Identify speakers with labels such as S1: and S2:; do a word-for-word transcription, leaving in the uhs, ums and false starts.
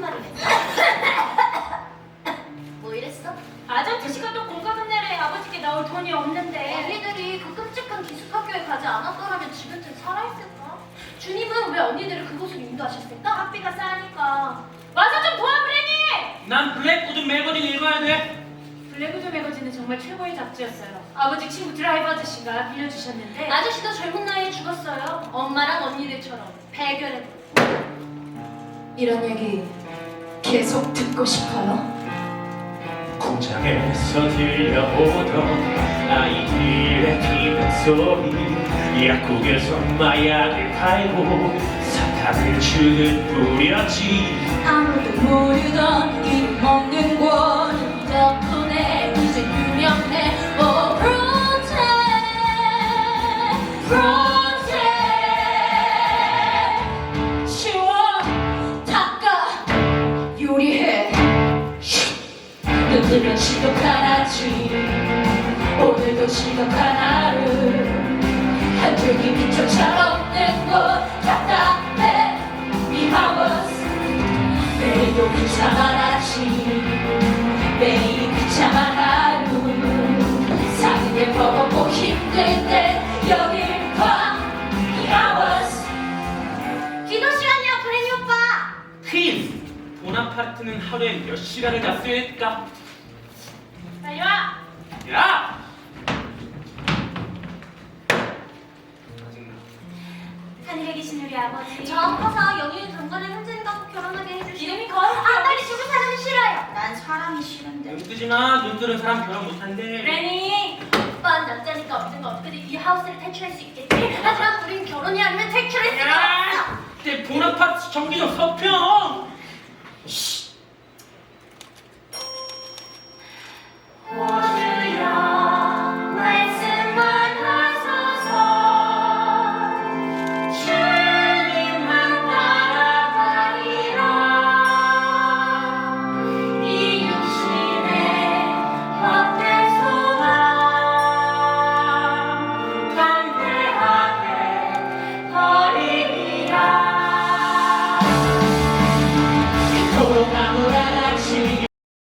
S1: 말이겠어? 뭐 이랬어?
S2: 아저씨 씨가 또 공과금 내래. 아버지께 나올 돈이 없는데.
S1: 언니들이 그 끔찍한 기숙학교에 가지 않았더라면 지금 쯤 살아있을까? 주님은 왜 언니들을 그곳으로 인도하셨을까?
S2: 학비가 싸니까. 와서 좀 도와, 브레니!
S3: 난 블랙우드 매거진 읽어야 돼.
S2: 블랙우드 매거진은 정말 최고의 잡지였어요. 아버지 친구 드라이버 아저씨가 빌려주셨는데.
S1: 아저씨도 젊은 나이에 죽었어요. 엄마랑 언니들처럼 배결해.
S4: 이런 얘기 계속 듣고 싶어요?
S3: 공장에서 들려오던 아이들의 기분 소리, 약국에서 마약을 팔고 사탕을 주는 뿌렸지.
S4: 아무도 모르던 이름 없는 곳
S1: 덕분에 이제 유명해. 오 프로젝트 프로젝트
S4: 치워 닦아 요리해 눈 뜨면 시독하나지 오늘도 시독한 하루 한 줄기 빛조차 없는 곳 답답해 미하워스 매일도 비참한 아침 매일 비참한 하루 사진을 버겁고 힘들 때 여길 봐 미하워스
S1: 기도 시간이야, 브레니 오빠.
S3: 퀸! 보나파르트는 하루에 몇 시간을 잤어야 했을까?
S2: 빨리 와!
S3: 야! 짜증나.
S2: 하늘에 계신 우리 아버지.
S1: 저 아파서 영희는 당번에 현진이가 꼭 결혼하게 해주시고.
S2: 이름이 거룩해요.
S1: 아, 딸이 죽은 사람이 싫어요. 난 사람이 싫은데.
S3: 눈 뜨지 마. 눈 뜨는 사람 결혼 못한대.
S2: 브레니!
S1: 오빠는 남자니까 언젠가 어떻게든 이 하우스를 탈출할 수 있겠지. 하지만 우린 결혼이 아니면 탈출할 수가
S3: 야!
S1: 없어.
S3: 내 보나파르트 정기 좀 서평!